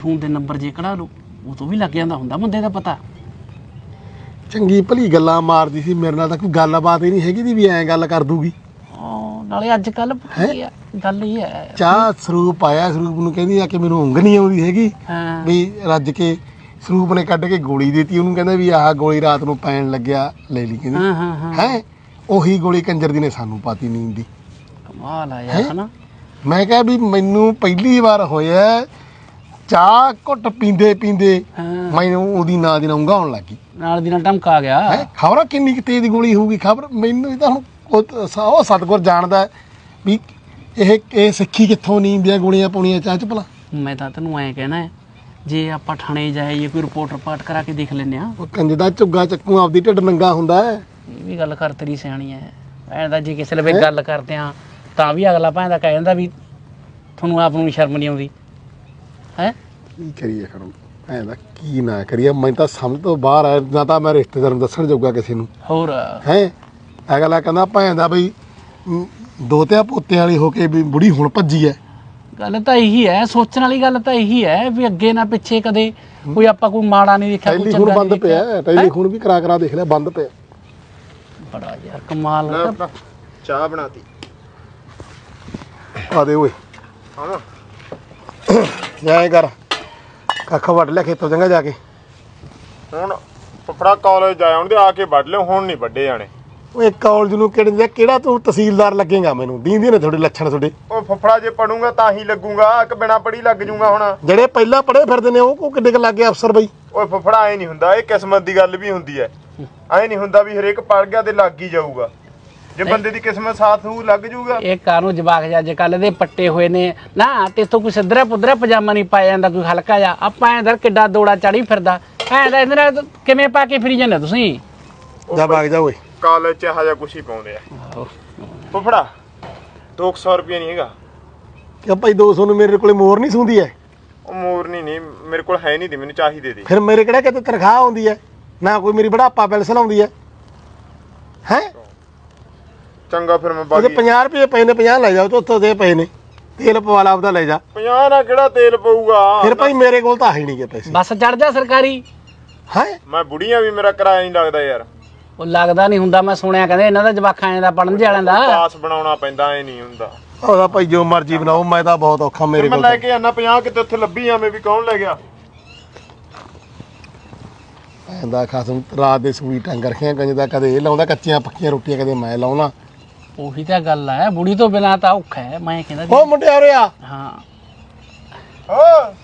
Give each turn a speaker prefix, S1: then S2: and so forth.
S1: Phone ਦੇ number ਜੇ ਕਢਾ ਲਓ ਉਹ ਤੋਂ ਵੀ ਲੱਗ ਜਾਂਦਾ ਹੁੰਦਾ ਬੰਦੇ ਦਾ ਪਤਾ।
S2: ਚੰਗੀ ਭਲੀ ਗੱਲਾਂ ਮਾਰਦੀ ਸੀ ਮੇਰੇ ਨਾਲ, ਤਾਂ ਕੋਈ ਗੱਲਬਾਤ ਹੀ ਨਹੀਂ ਹੈਗੀ ਦੀ ਵੀ ਐਂ ਗੱਲ ਕਰ ਦੂਗੀ।
S1: ਨਾਲੇ ਅੱਜ ਕੱਲ ਗੱਲ ਹੀ ਹੈ
S2: ਚਾਹ ਸਰੂਪ ਆਇਆ, ਸਰੂਪ ਨੂੰ ਕਹਿੰਦੀ ਆ ਕਿ ਮੈਨੂੰ ਉਂਘ ਨਹੀਂ ਆਉਂਦੀ ਹੈਗੀ ਵੀ ਰੱਜ ਕੇ ਸਰੂਪ ਨੇ ਕੱਢ ਕੇ ਗੋਲੀ ਦਿੱਤੀ ਉਹਨੂੰ, ਕਹਿੰਦਾ ਵੀ ਆਹ ਗੋਲੀ ਰਾਤ ਨੂੰ ਪੈਣ ਲੱਗਿਆ ਲੈ ਲਈ ਕਹਿੰਦੀ ਹੈ। ਉਹੀ ਗੋਲੀ ਕੰਜਰ ਦੀ ਨੇ ਸਾਨੂੰ ਪਾਤੀ ਨੀਂਦ ਦੀ।
S1: ਕਮਾਲ ਆ ਯਾਰ ਹਨਾ।
S2: ਮੈਂ ਕਿਹਾ ਵੀ ਮੈਨੂੰ ਪਹਿਲੀ ਵਾਰ ਹੋਇਆ ਚਾਹ ਘੁੱਟ ਪੀਂਦੇ ਪੀਂਦੇ ਮੈਨੂੰ ਉਹਦੀ ਨਾਂ ਦੀ ਉਂਘ ਆਉਣ ਲੱਗੀ,
S1: ਨਾਲ ਦੀ ਨਾਲ ਧਮਕਾ ਗਿਆ।
S2: ਖਬਰ ਕਿੰਨੀ ਕੁ ਤੇਜ਼ ਗੋਲੀ ਹੋਊਗੀ, ਖਬਰ ਮੈਨੂੰ ਤਾਂ ਹੁਣ ਉਹ ਸਤਿਗੁਰ ਜਾਣਦਾ ਵੀ ਇਹ ਸਿੱਖੀ ਕਿੱਥੋਂ ਨੀਂਦ ਦੀਆਂ ਗੋਲੀਆਂ ਪਾਉਣੀਆਂ ਚਾਹ ਚ ਭਲਾ।
S1: ਮੈਂ ਤਾਂ ਤੈਨੂੰ ਐਂ ਕਹਿਣਾ ਜੇ ਆਪਾਂ ਥਾਣੇ ਜਾਈਏ ਕੋਈ ਰਿਪੋਰਟ ਰਪਾਟ ਕਰਾ ਕੇ ਦੇਖ ਲੈਂਦੇ ਆ।
S2: ਉਹ ਕੰਜ ਦਾ ਝੁੱਗਾ ਚੱਕੂ ਆਪਦੀ ਢਿੱਡ ਨੰਗਾ ਹੁੰਦਾ ਹੈ।
S1: ਇਹ ਵੀ ਗੱਲ ਕਰ ਤੇਰੀ ਸਿਆਣੀ ਹੈ ਭੈਣ ਦਾ। ਜੇ ਕਿਸੇ ਵੇਲੇ ਗੱਲ ਕਰਦੇ ਆ ਤਾਂ ਵੀ ਅਗਲਾ ਭੈਣ ਦਾ ਕਹਿ ਜਾਂਦਾ ਵੀ ਤੁਹਾਨੂੰ ਆਪ ਨੂੰ ਸ਼ਰਮ ਨਹੀਂ ਆਉਂਦੀ ਹੈ।
S2: ਕੀ ਕਰੀਏ ਫਿਰ ਭੈਣ ਦਾ, ਕੀ ਨਾ ਕਰੀਏ, ਮੈਨੂੰ ਤਾਂ ਸਮਝ ਤੋਂ ਬਾਹਰ ਆ। ਨਾ ਤਾਂ ਮੈਂ ਰਿਸ਼ਤੇਦਾਰ ਨੂੰ ਦੱਸਣ ਜੋਗਾ ਕਿਸੇ ਨੂੰ
S1: ਹੋਰ
S2: ਹੈ। ਅਗਲਾ ਕਹਿੰਦਾ ਭੈਣ ਦਾ ਬਈ ਦੋਤਿਆਂ ਪੋਤਿਆਂ ਵਾਲੀ ਹੋ ਕੇ ਵੀ ਬੁੜੀ ਹੁਣ ਭੱਜੀ ਐ।
S1: ਗੱਲ ਤਾਂ ਇਹੀ ਹੈ, ਸੋਚਣ ਵਾਲੀ ਗੱਲ ਤਾਂ ਇਹੀ ਹੈ ਵੀ ਅੱਗੇ ਨਾ ਪਿੱਛੇ ਕਦੇ ਕੋਈ ਆਪਾਂ ਕੋਈ ਮਾੜਾ ਨਹੀਂ ਦੇਖਿਆ, ਕੋਈ
S2: ਟੈਲੀਫੋਨ ਬੰਦ ਪਿਆ, ਟੈਲੀਫੋਨ ਵੀ ਕਰਾ ਦੇਖ ਲਿਆ ਬੰਦ ਪਿਆ।
S1: ਬੜਾ ਯਾਰ ਕਮਾਲ।
S3: ਚਾਹ ਬਣਾਤੀ
S2: ਆ ਦੇ ਓਏ
S3: ਹਾਂ
S2: ਜਾਏ ਕਰ ਕੱਖ ਵੱਢ ਲਿਆ ਖੇਤੋਂ ਚੰਗਾ ਜਾ ਕੇ।
S3: ਹੁਣ ਫਫੜਾ ਕਾਲਜ ਜਾਇਆ ਉਹਦੇ ਆ ਕੇ ਵੱਢ ਲਿਓ, ਹੁਣ ਨਹੀਂ ਵੱਡੇ ਜਾਣੇ।
S2: ਓਏ ਕਾਲਜ ਨੂੰ ਕਿਹੜਾ ਤੂੰ ਤਹਿਸੀਲਦਾਰ ਲੱਗੇਗਾ, ਮੈਨੂੰ ਦੀਂਦੇ ਨੇ ਤੁਹਾਡੇ ਲੱਛਣ ਤੁਹਾਡੇ।
S3: ਉਹ ਫਫੜਾ ਜੇ ਪੜੂੰਗਾ ਤਾਂ ਹੀ ਲੱਗੂਗਾ ਕਿ ਬਿਨਾ ਪੜੀ ਲੱਗ ਜੂਗਾ। ਹੁਣ
S2: ਜਿਹੜੇ ਪਹਿਲਾਂ ਪੜ੍ਹੇ ਫਿਰਦੇ ਨੇ ਉਹ ਕਿੱਡੇ ਕ ਲੱਗੇ ਅਫਸਰ ਬਈ।
S3: ਓਏ ਫਫੜਾ ਐ ਨਹੀਂ ਹੁੰਦਾ, ਇਹ ਕਿਸਮਤ ਦੀ ਗੱਲ ਵੀ ਹੁੰਦੀ ਐ। ਐ ਨਹੀਂ ਹੁੰਦਾ ਵੀ ਹਰੇਕ ਪੜ ਗਿਆ ਤੇ ਲੱਗ ਹੀ ਜਾਊਗਾ। ਜੇ ਬੰਦੇ ਦੀ ਕਿਸਮਤ ਸਾਥ ਹੋਊ ਲੱਗ ਜੂਗਾ।
S1: ਇਹ ਕਾਨੂੰ ਜਵਾਕ ਜਾ ਅੱਜ ਕੱਲ ਦੇ ਪੱਟੇ ਹੋਏ ਨੇ ਨਾ, ਤੇ ਤੋਂ ਕੋਈ ਸਿੱਧਰਾ ਪੁੱਧਰਾ ਪਜਾਮਾ ਨਹੀਂ ਪਾਇਆ ਜਾਂਦਾ, ਕੋਈ ਹਲਕਾ ਜਾ। ਆਪਾਂ ਇਧਰ ਕਿੱਡਾ ਦੋੜਾ ਚੜੀ ਫਿਰਦਾ ਐ ਦਾ, ਇਹਦੇ ਨਾਲ ਕਿਵੇਂ ਪਾ ਕੇ ਫਿਰੀ ਜਾਂਦੇ ਤੁਸੀਂ।
S2: ਜਾ ਭਾਗ ਜਾ ਓਏ।
S3: ਕਾਲਜ ਚ ਇਹੋ ਜਿਹਾ ਕੁਛ ਹੀ ਪਾਉਂਦੇ ਆ ਫਫੜਾ। 200 ਰੁਪਏ ਨਹੀਂ ਹੈਗਾ
S2: ਕਿ ਭਾਈ 200 ਨੂੰ ਮੇਰੇ ਕੋਲੇ ਮੋਰ ਨਹੀਂ ਸੁੰਦੀ ਐ।
S3: ਉਹ ਮੋਰਨੀ ਨਹੀਂ ਮੇਰੇ ਕੋਲ ਹੈ ਨਹੀਂ ਦੀ, ਮੈਨੂੰ ਚਾਹੀਦੇ ਦੀ।
S2: ਫਿਰ ਮੇਰੇ ਕਿਹੜਾ ਕਿਤੇ ਤਨਖਾਹ ਆਉਂਦੀ ਐ, ਨਾ ਕੋਈ ਮੇਰੀ ਬੁਢਾਪਾ ਪੈਨਸ਼ਨ ਆਉਂਦੀ ਐ। ਹੈ
S3: ਚੰਗਾ ਫਿਰ ਮੈਂ
S2: ਉਹਦੇ
S3: ਬਾਕੀ
S2: 50 ਰੁਪਏ ਪਏ ਨੇ, 50 ਲੈ ਜਾਓ ਤੇ ਉੱਥੋਂ ਦੇ ਪਏ ਨੇ, ਤੇਲ ਪਵਾ ਲਾ ਆਪਦਾ ਲੈ ਜਾ।
S3: 50 ਨਾਲ ਕਿਹੜਾ ਤੇਲ ਪਊਗਾ।
S2: ਫਿਰ ਭਾਈ ਮੇਰੇ ਕੋਲ ਤਾਂ ਹੈ ਨਹੀਂ ਗੇ ਪੈਸੇ।
S1: ਬੱਸ ਚੜ ਜਾ ਸਰਕਾਰੀ।
S2: ਹੈ
S3: ਮੈਂ ਬੁੜੀਆਂ ਵੀ ਮੇਰਾ ਕਿਰਾਇਆ ਨਹੀਂ ਲੱਗਦਾ ਯਾਰ।
S1: ਉਹ ਲੱਗਦਾ ਨਹੀਂ ਹੁੰਦਾ, ਮੈਂ ਸੁਣਿਆ ਕਹਿੰਦੇ ਇਹਨਾਂ ਦਾ ਜਵਾਕਾਂ ਦਾ ਪੜਨ ਵਾਲਿਆਂ ਦਾ
S3: ਪਾਸ ਬਣਾਉਣਾ ਪੈਂਦਾ, ਐ ਨਹੀਂ ਹੁੰਦਾ।
S2: ਉਹਦਾ ਭਾਈ ਜੋ ਮਰਜ਼ੀ ਬਣਾਓ, ਮੈਂ ਤਾਂ ਬਹੁਤ ਔਖਾ ਮੇਰੇ
S3: ਮੈਂ
S2: ਕੋਲ।
S3: ਲੈ ਕੇ ਆਣਾ 50 ਕਿਤੇ ਉੱਥੇ ਲੱਭੀ ਆਵੇਂ ਵੀ ਕੌਣ ਲੈ ਗਿਆ।
S2: ਦਾ ਖਾਸਮ ਰਾਤ ਦੇ ਸੂਈ ਟੰਗ ਰੱਖਿਆ ਕੰਜ ਦਾ, ਕਦੇ ਇਹ ਲਾਉਂਦਾ ਕੱਚੀਆਂ ਪੱਕੀਆਂ ਰੋਟੀਆਂ, ਕਦੇ ਮੈਂ ਲਾਉਣਾ।
S1: ਉਹੀ ਤਾਂ ਗੱਲ ਹੈ, ਬੁੜੀ ਤੋਂ ਬਿਨਾਂ ਤਾਂ ਔਖਾ ਹੈ। ਮੈਂ ਕਹਿੰਦਾ
S2: ਉਹ ਮੁੰਡਿਆ ਉਰੇ ਆ।
S1: ਹਾਂ
S3: ਹਾਂ